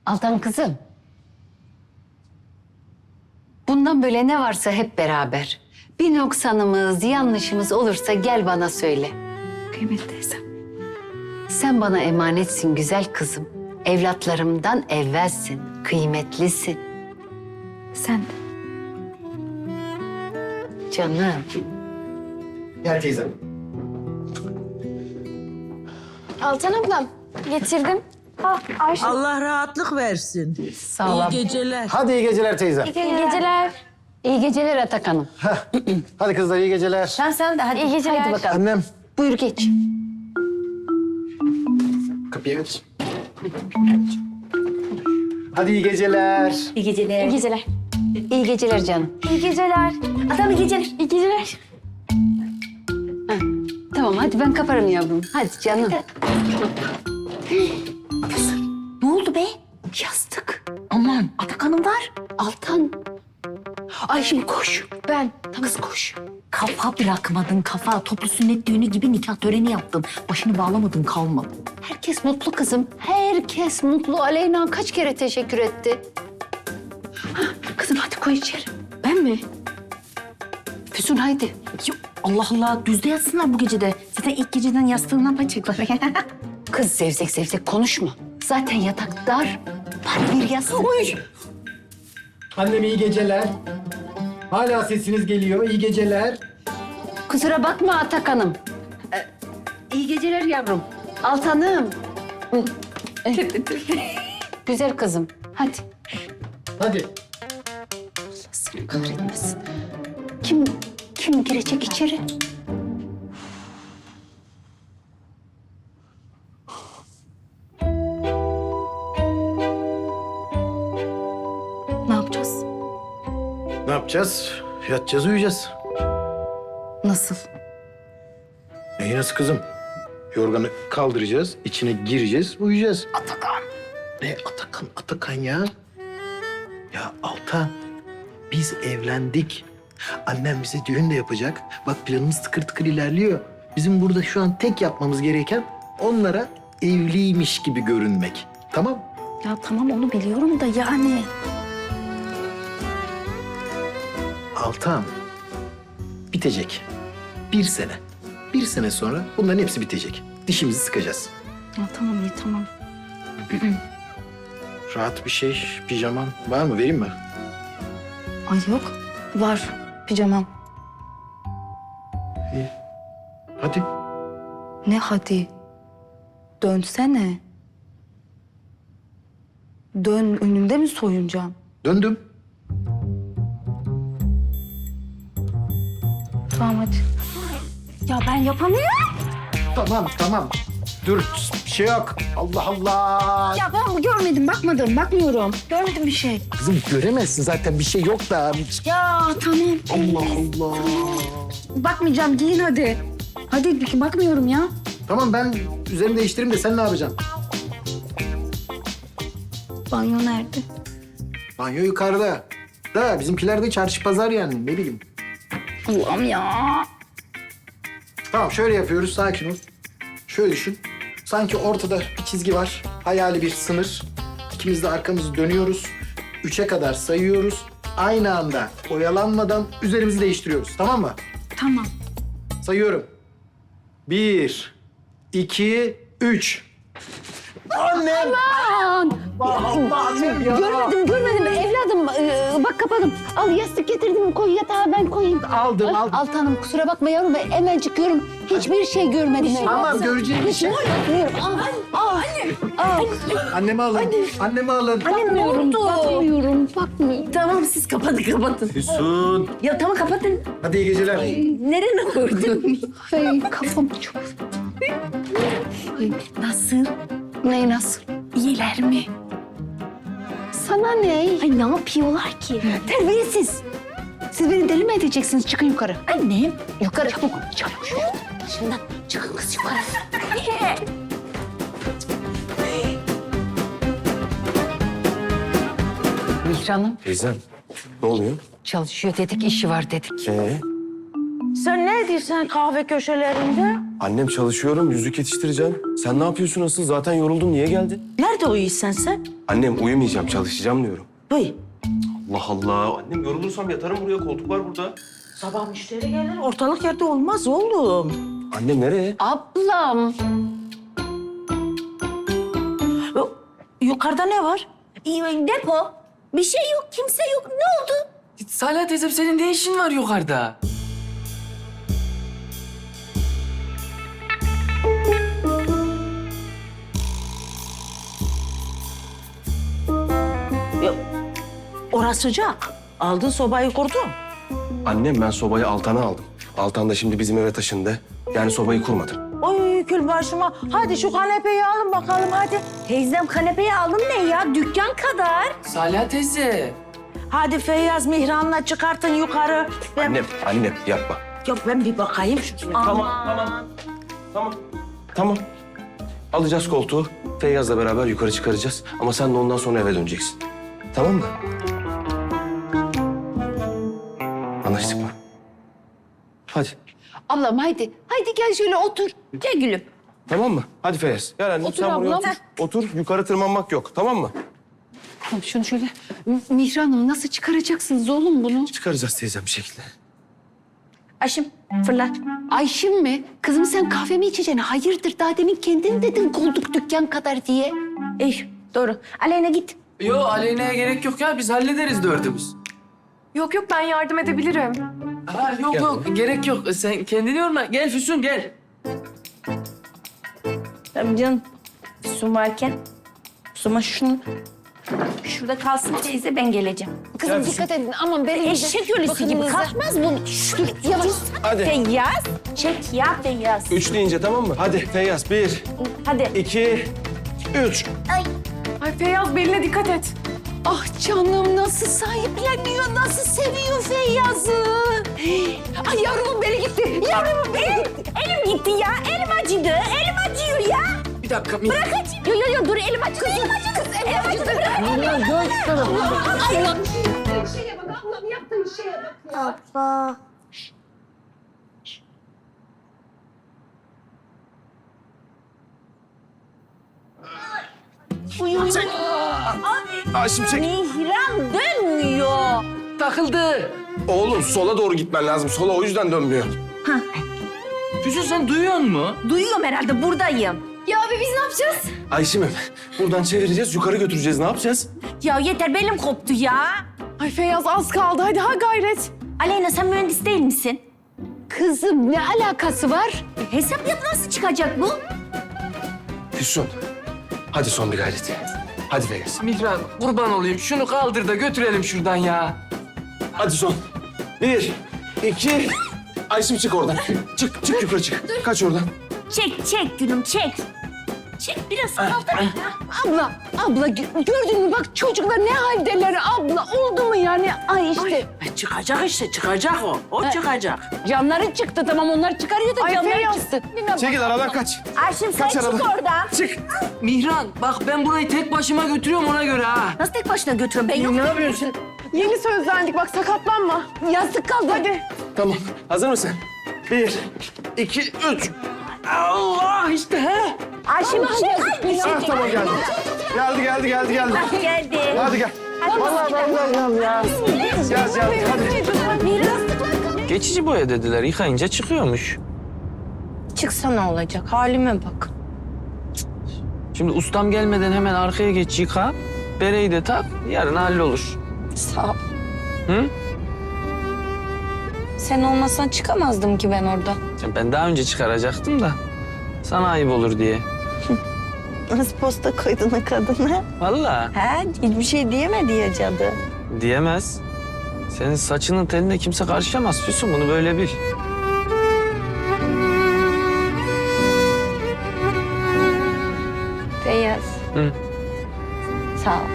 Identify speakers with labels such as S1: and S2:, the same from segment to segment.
S1: Altan kızım. Bundan böyle ne varsa hep beraber. Bir noksanımız, yanlışımız olursa gel bana söyle.
S2: Kıymet teyzem.
S1: Sen bana emanetsin güzel kızım. Evlatlarımdan evvelsin, kıymetlisin.
S2: Sen de.
S1: Canım.
S3: Gel teyzem.
S2: Altan ablam getirdim. Ayşe.
S4: Allah rahatlık versin.
S1: Sağ ol.
S4: İyi geceler.
S3: Hadi iyi geceler teyzem.
S2: İyi geceler.
S1: İyi geceler Atak Hanım.
S3: Hadi kızlar iyi geceler.
S1: Sen de hadi.
S2: İyi geceler.
S1: Haydi bakalım.
S3: Annem.
S1: Buyur geç.
S3: Kapıya geç. Hadi iyi geceler.
S1: İyi geceler.
S2: İyi geceler.
S1: İyi geceler canım.
S2: İyi geceler. Adam iyi geceler. İyi geceler.
S1: Tamam hadi ben kaparım yavrum. Hadi canım.
S2: Ne oldu be?
S1: Yastık.
S2: Aman Atakan'ım var.
S1: Altan. Ay şimdi koş. Ben. Kız koş.
S2: Kafa bırakmadın kafa. Toplu sünnet düğünü gibi nikah töreni yaptın. Başını bağlamadın kalmadı.
S1: Herkes mutlu kızım. Herkes mutlu. Aleyna kaç kere teşekkür etti. Hah, kızım hadi koy içeri.
S2: Ben mi?
S1: Füsun haydi.
S2: Yok Allah Allah düzde yatsınlar bu gecede. Zaten ilk geceden yastığından paçacaklar.
S1: Kız zevzek zevzek konuşma. Zaten yatak dar. Bari bir yatsın.
S3: Annem iyi geceler. Hala sesiniz geliyor. İyi geceler.
S1: Kusura bakma Atak Hanım. İyi geceler yavrum. Altanım. Güzel kızım. Hadi.
S3: Hadi.
S1: Seni kahretmesin. Kim girecek içeri?
S2: Ne yapacağız?
S3: Ne yapacağız? Yatacağız, uyuyacağız.
S2: Nasıl?
S3: Neyi nasıl kızım? Yorganı kaldıracağız, içine gireceğiz, uyuyacağız.
S2: Atakan.
S3: Ne Atakan, Atakan ya? Ya Altan, biz evlendik. Annem bize düğün de yapacak. Bak planımız tıkır tıkır ilerliyor. Bizim burada şu an tek yapmamız gereken onlara evliymiş gibi görünmek. Tamam?
S2: Ya tamam onu biliyorum da yani.
S3: Altan, bitecek. 1 sene. 1 sene sonra bunların hepsi bitecek. Dişimizi sıkacağız.
S2: Ya tamam iyi tamam.
S3: Rahat bir şey, pijaman var mı? Vereyim mi?
S2: Ay yok. Var pijamam.
S3: İyi. Hadi.
S2: Ne hadi? Dönsene. Dön önünde mi soyunacağım?
S3: Döndüm.
S2: Tamam hadi. Ya ben yapamıyorum.
S3: Tamam. Dur, bir şey yok. Allah Allah.
S2: Ya ben görmedim, bakmıyorum. Görmedim bir şey.
S3: Kızım göremezsin zaten bir şey yok da.
S2: Ya tamam.
S3: Allah Allah.
S2: Bakmayacağım, giyin hadi. Hadi bakmıyorum ya.
S3: Tamam ben üzerimi değiştireyim de sen ne yapacaksın?
S2: Banyo nerede?
S3: Banyo yukarıda. Da bizimkiler de çarşı pazar yani ne bileyim.
S2: Allah'ım ya.
S3: Tamam şöyle yapıyoruz sakin ol. Şöyle düşün. Sanki ortada bir çizgi var. Hayali bir sınır. İkimiz de arkamızı dönüyoruz. 3'e kadar sayıyoruz. Aynı anda oyalanmadan üzerimizi değiştiriyoruz. Tamam mı?
S2: Tamam.
S3: Sayıyorum. 1, 2, 3. Annem! Annem ya!
S1: Görmedim evladım. Bak kapadım. Al yastık getirdim koy yatağa ben koyayım.
S3: Aldım.
S1: Altanım kusura bakma yavrum ben hemencik görüyorum. Hiçbir şey görmedim.
S3: Tamam göreceğim bir şey. Annemi alın. Annemi alın.
S1: Bakmıyorum.
S2: Tamam siz kapatın.
S3: Füsun.
S2: Ya tamam kapatın.
S3: Hadi iyi geceler.
S2: Nereye koydun?
S1: Ay kafam çok.
S2: Nasıl?
S1: Ne nasıl?
S2: İyiler mi?
S1: Sana ne?
S2: Ay ne yapıyorlar ki?
S1: Terbiyesiz. Siz beni deli mi edeceksiniz? Çıkın yukarı.
S2: Annem.
S1: Yukarı çabuk. Çabuk. Başından çıkın kız yukarı. Mihran'ım
S3: Teyzem ne oluyor?
S1: çalışıyor dedik, işi var dedik.
S4: Sen ne ediyorsun kahve köşelerinde?
S5: Annem çalışıyorum, yüzük yetiştireceğim. Sen ne yapıyorsun asıl? Zaten yoruldun, niye geldin?
S4: Nerede uyuyorsun sen?
S5: Annem uyumayacağım, çalışacağım diyorum.
S4: Uy.
S5: Allah Allah. Annem yorulursam yatarım buraya, koltuk var burada.
S4: Sabah müşteri gelir. Ortalık yerde olmaz oğlum.
S5: Annem nereye?
S1: Ablam.
S4: Yukarıda ne var?
S2: Depo. Bir şey yok, kimse yok. Ne oldu?
S6: Salih teyzem senin ne işin var yukarıda?
S4: Orası sıcak. Aldın sobayı kurdun.
S5: Annem ben sobayı Altan'a aldım. Altan da şimdi bizim eve taşındı. Yani sobayı kurmadım.
S4: Oy kül başıma. Hadi şu kanepeyi alın bakalım hadi.
S2: Teyzem kanepeyi aldım ne ya? Dükkan kadar.
S6: Salih teyze.
S4: Hadi Feyyaz Mihran'la çıkartın yukarı.
S5: Annem yapma.
S4: Yok ben bir bakayım şu.
S5: Tamam. Alacağız koltuğu. Feyyaz'la beraber yukarı çıkaracağız. Ama sen de ondan sonra eve döneceksin. Tamam mı? Anlaştık mı? Hadi.
S1: Ablam haydi. Haydi gel şöyle otur.
S2: Gel gülüm.
S5: Tamam mı? Hadi Feyyaz. Gel annem
S1: Otur
S5: sen buraya
S1: ablam.
S5: otur. Otur. Yukarı tırmanmak yok. Tamam mı?
S1: Tamam şunu şöyle. Mihran'ım nasıl çıkaracaksınız oğlum bunu?
S5: Çıkaracağız teyzem bir şekilde.
S2: Aşım fırlat.
S1: Ayşim mi? Kızım sen kahve mi içeceksin? Hayırdır daha demin kendin dedin koltuk dükkan kadar diye.
S2: İyi doğru. Aleyna git.
S6: Yo Aleyna'ya gerek yok ya biz hallederiz dördümüz.
S7: Yok yok ben yardım edebilirim.
S6: Ha yok gerek yok. Sen kendini yorma. Gel Füsun gel.
S2: Tabii canım. Su varken. Suma şunu. Şurada kalsın teyze ben geleceğim.
S1: Kızım dikkat edin aman belinize.
S2: Eşek ölüsü gibi
S1: bakınınıza.
S2: kalkmaz bu.
S1: Dur yavaş.
S5: Hadi.
S2: Feyyaz. Çek ya Feyyaz.
S5: 3 deyince tamam mı? Hadi Feyyaz. 1,
S2: Hadi.
S5: 2, 3.
S7: Ay Feyyaz beline dikkat et.
S1: Ah canım nasıl sahipleniyor, nasıl seviyor Feyyaz'ı. Ay yavrumun beli gitti, yavrumun beli gitti.
S2: Elim gitti ya. Elim acıdı. Elim acıyor ya.
S6: Bir dakika.
S2: Bırak acı. Yo dur elim acıdı. Elim acıdı. Elim acıdı. Bırak.
S1: Allah. Şeye bak ablam yaptığın şeye bak ya.
S5: Ayşim çek.
S2: Mihran dönmüyor.
S6: Takıldı.
S5: Oğlum sola doğru gitmen lazım. Sola o yüzden dönmüyor.
S6: Füsun sen duyuyor musun?
S2: Duyuyorum herhalde buradayım.
S7: Ya abi biz ne yapacağız?
S5: Ayşim'im buradan çevireceğiz, yukarı götüreceğiz. Ne yapacağız?
S2: Ya yeter belim koptu ya.
S7: Ay Feyyaz az kaldı hadi ha gayret.
S2: Aleyna sen mühendis değil misin?
S1: Kızım ne alakası var?
S2: Hesap yap nasıl çıkacak bu?
S5: Füsun. Hadi son bir gayret. Hadi Feyyaz.
S6: Mihran kurban olayım. Şunu kaldır da götürelim şuradan ya.
S5: Hadi son. 1, 2. Ayşim çık oradan. Çık yukarı çık. Kaç oradan.
S2: Çek gülüm çek. Çek biraz kaldır.
S1: Abla gördün mü bak çocuklar ne haldeler abla oldu mu yani? Ay işte
S4: Çıkacak işte çıkacak o. O çıkacak.
S1: camları çıktı tamam onlar çıkarıyor da
S7: Ay
S1: camları
S7: Feyyaz.
S1: çıktı.
S5: Çekil aradan kaç.
S2: Ayşim sen
S5: Kaç
S2: çık
S5: aradan.
S2: oradan.
S5: Çık.
S6: Mihran bak ben burayı tek başıma götürüyorum ona göre ha.
S2: Nasıl tek başına götürüyorum ben yok.
S6: Ne yapıyorsun?
S7: Yeni sözlendik bak sakatlanma.
S1: Yastık kaldı.
S7: Hadi.
S5: Tamam. Hazır mısın? 1, 2, 3.
S6: Allah işte he.
S2: Ayşim çık.
S5: Ah tamam geldi. Geldi.
S2: Geldi.
S5: Hadi gel. Vallahi ben geldim ya. Gel hadi.
S6: Geçici boya dediler. Yıkayınca çıkıyormuş.
S2: Çıksa ne olacak halime bak.
S6: Şimdi ustam gelmeden hemen arkaya geç yıka. Bereyi de tak. Yarın hallolur.
S2: Sağ ol.
S6: Hı?
S2: Sen olmasan çıkamazdım ki ben orada.
S6: Ya ben daha önce çıkaracaktım da. Sana ayıp olur diye.
S2: Nasıl posta koydun o kadına?
S6: Vallahi
S2: He hiçbir şey diyemedi ya cadı.
S6: diyemez. Senin saçının teline kimse karışamaz Füsun. Bunu böyle bil.
S2: Feyyaz.
S6: Hı.
S2: Sağ ol.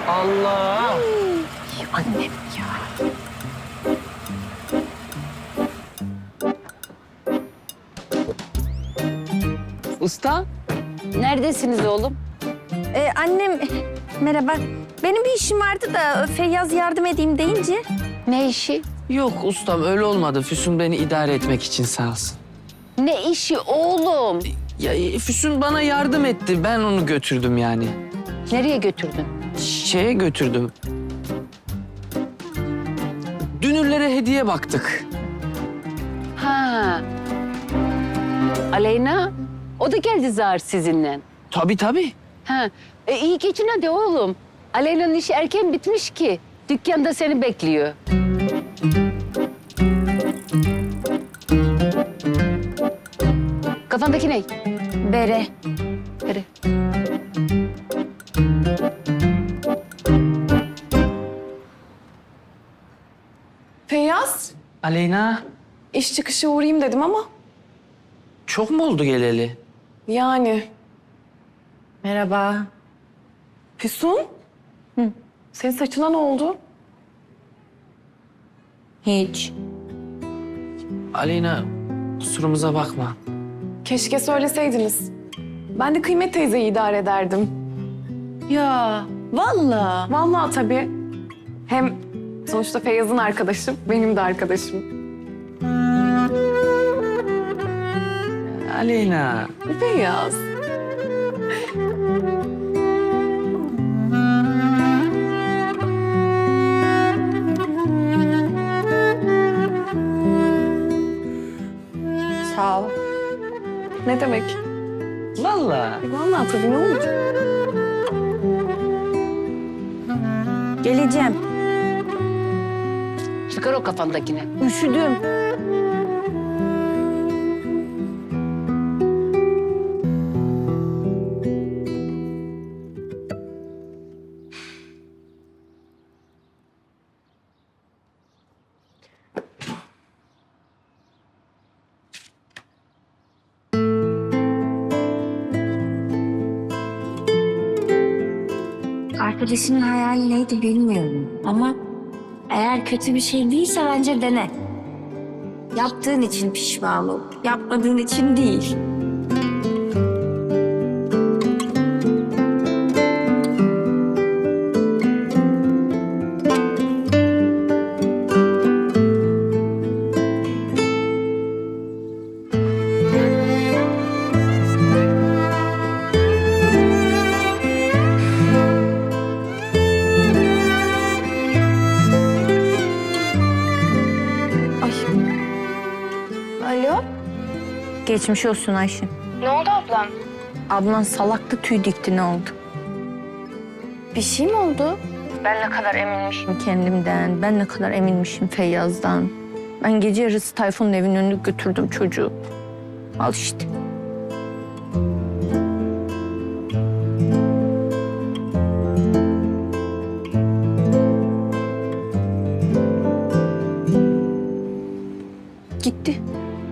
S6: Allah!
S2: Annem ya.
S6: usta.
S1: Neredesiniz oğlum?
S2: Annem, merhaba. Benim bir işim vardı da Feyyaz yardım edeyim deyince.
S1: Ne işi?
S6: Yok ustam öyle olmadı. Füsun beni idare etmek için sağ olsun.
S1: Ne işi oğlum?
S6: Ya Füsun bana yardım etti. Ben onu götürdüm yani.
S1: Nereye götürdün?
S6: Şeye götürdüm. Dünürlere hediye baktık.
S1: Ha. Aleyna, o da geldi zar sizinle.
S6: Tabii.
S1: Ha. İyi geçin hadi oğlum. Aleyna'nın işi erken bitmiş ki. Dükkanda seni bekliyor. Kafandaki ne?
S2: Bere.
S1: Bere.
S7: Feyyaz,
S6: Aleyna,
S7: iş çıkışı uğrayayım dedim ama
S6: çok mu oldu geleli?
S7: yani.
S2: Merhaba.
S7: Füsun? Senin saçına ne oldu?
S2: Hiç.
S6: Aleyna, kusurumuza bakma.
S7: Keşke söyleseydiniz. Ben de Kıymet teyzeyi idare ederdim.
S2: Ya vallahi.
S7: Vallahi tabii. Hem sonuçta Feyyaz'ın arkadaşım, benim de arkadaşım.
S6: Aleyna.
S7: Feyyaz.
S2: Sağ ol.
S7: Ne demek?
S6: Vallahi.
S7: Vallahi tabii ne olacak?
S2: Geleceğim.
S1: Çıkar o kafandakini.
S2: Üşüdüm.
S8: Arkadaşının hayali neydi bilmiyorum ama eğer kötü bir şey değilse bence dene. Yaptığın için pişman ol, yapmadığın için değil.
S2: Alo. Geçmiş olsun Ayşe.
S8: Ne oldu ablam?
S2: Ablan salaktı, tüy dikti, ne oldu?
S8: Bir şey mi oldu?
S2: Ben ne kadar eminmişim kendimden, ben ne kadar eminmişim Feyyaz'dan. Ben gece yarısı Tayfun'un evinin önüne götürdüm çocuğu. Al işte. Gitti.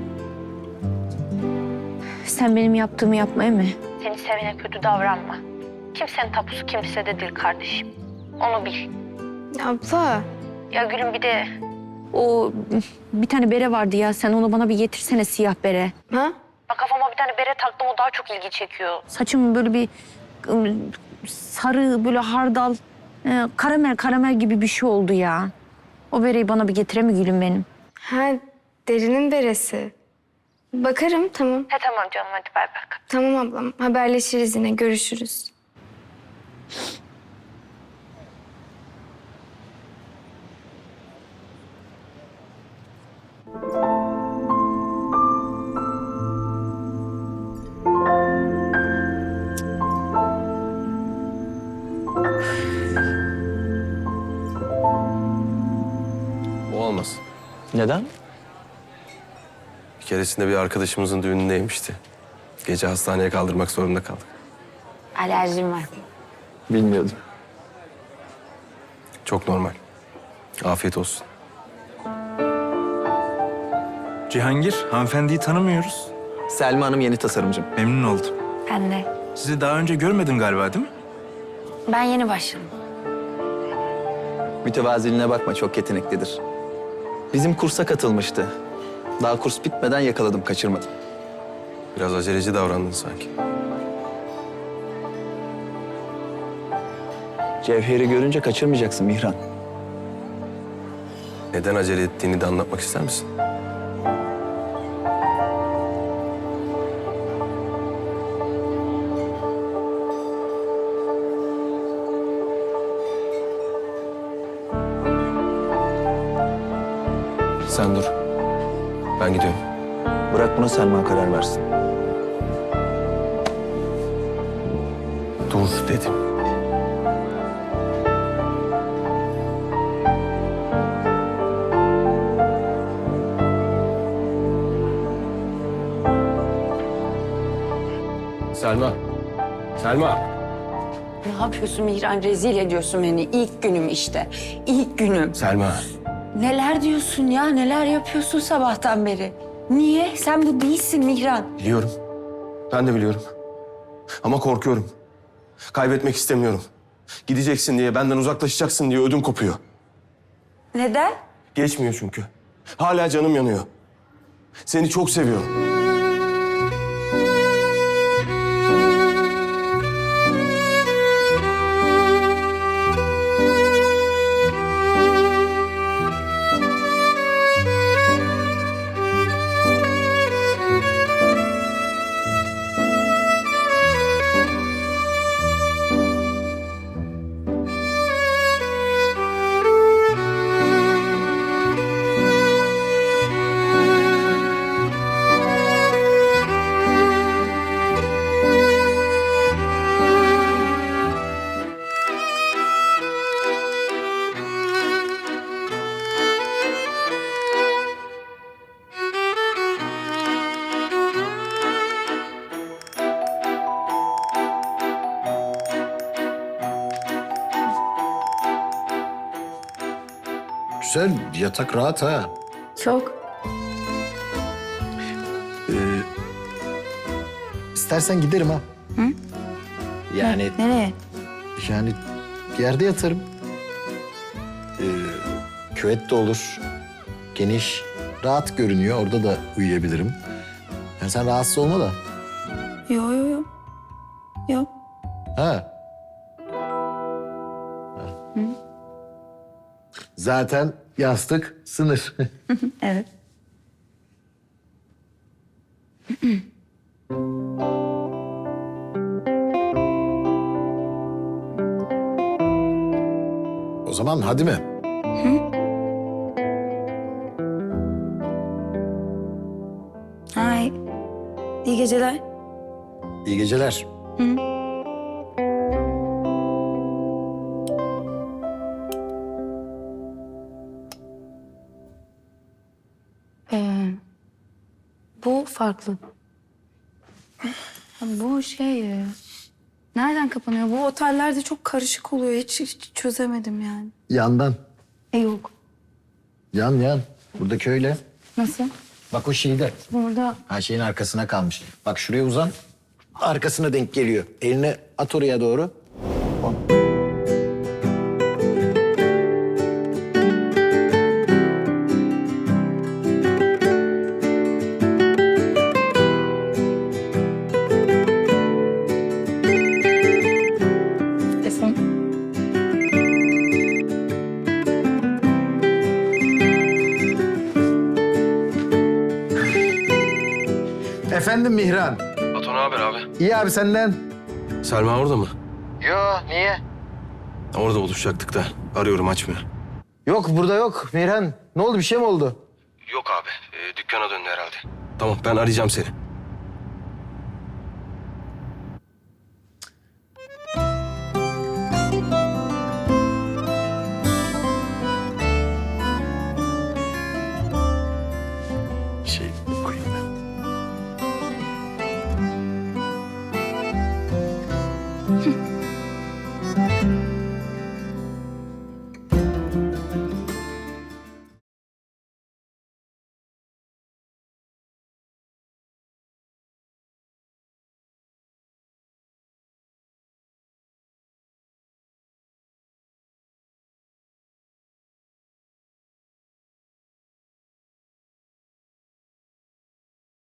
S2: Sen benim yaptığımı yapmaya mı? Seni sevene kötü davranma. Kimsenin tapusu kimsede değil kardeşim. Onu bil.
S8: Abla.
S2: Ya gülüm bir de o bir tane bere vardı ya, sen onu bana bir getirsene, siyah bere.
S8: Ha?
S2: Bak kafama bir tane bere taktım, o daha çok ilgi çekiyor. Saçım böyle bir sarı, böyle hardal, karamel gibi bir şey oldu ya. O bereyi bana bir getire mi gülüm benim?
S8: Ha, derinin beresi. Bakarım, tamam.
S2: He tamam canım, hadi bay bay.
S8: Tamam ablam, haberleşiriz yine, görüşürüz.
S5: O olmaz.
S6: Neden?
S5: Bir keresinde bir arkadaşımızın düğünündeymişti. Gece hastaneye kaldırmak zorunda kaldık.
S8: Alerjim var.
S6: Bilmiyordum.
S5: Çok normal. Afiyet olsun.
S9: Cihangir, hanımefendiyi tanımıyoruz.
S10: Selma Hanım yeni tasarımcım.
S9: Memnun oldum.
S8: Ben de.
S9: Sizi daha önce görmedin galiba, değil mi?
S8: Ben yeni başladım.
S10: Mütevaziliğine bakma, çok yeteneklidir. Bizim kursa katılmıştı. Daha kurs bitmeden yakaladım, kaçırmadım.
S5: Biraz aceleci davrandın sanki.
S10: Cevher'i görünce kaçırmayacaksın Mihran.
S5: Neden acele ettiğini de anlatmak ister misin? Sen dur. Ben gidiyorum.
S10: Bırak buna Selma karar versin.
S5: Dur dedim. Selma. Selma.
S1: Ne yapıyorsun Mihran? Rezil ediyorsun beni. İlk günüm işte. İlk günüm.
S5: Selma.
S1: Neler diyorsun ya? Neler yapıyorsun sabahtan beri? Niye? Sen bu değilsin Mihran.
S5: Biliyorum. Ben de biliyorum. Ama korkuyorum. Kaybetmek istemiyorum. Gideceksin diye, benden uzaklaşacaksın diye ödüm kopuyor.
S1: Neden?
S5: Geçmiyor çünkü. Hala canım yanıyor. Seni çok seviyorum.
S3: Güzel, yatak rahat ha.
S2: Çok.
S3: İstersen giderim ha. Hı? Yani
S2: Nereye?
S3: yani yerde yatarım. Küvet de olur. Geniş, rahat görünüyor. Orada da uyuyabilirim. Yani sen rahatsız olma da.
S2: Yo. Yok.
S3: Ha. Zaten yastık sınır.
S2: Evet.
S3: O zaman hadi mi?
S2: Hay. İyi geceler.
S3: İyi geceler.
S2: Bu farklı. Bu nereden kapanıyor? Bu otellerde çok karışık oluyor. Hiç çözemedim yani.
S3: Yandan.
S2: Yok.
S3: Yan. Buradaki öyle.
S2: Nasıl?
S3: Bak o şeyde.
S2: Burada.
S3: Ha şeyin arkasına kalmış. Bak şuraya uzan. Arkasına denk geliyor. Elini at oraya doğru.
S2: Telefon.
S3: Efendim Mihran.
S5: Batu ne haber abi?
S3: İyi abi senden.
S5: Selma orada mı?
S3: Yo niye?
S5: Orada buluşacaktık da. Arıyorum açmıyor.
S3: Yok burada yok Mihran. Ne oldu bir şey mi oldu?
S5: Yok abi. Dükkana döndü herhalde. Tamam ben arayacağım seni.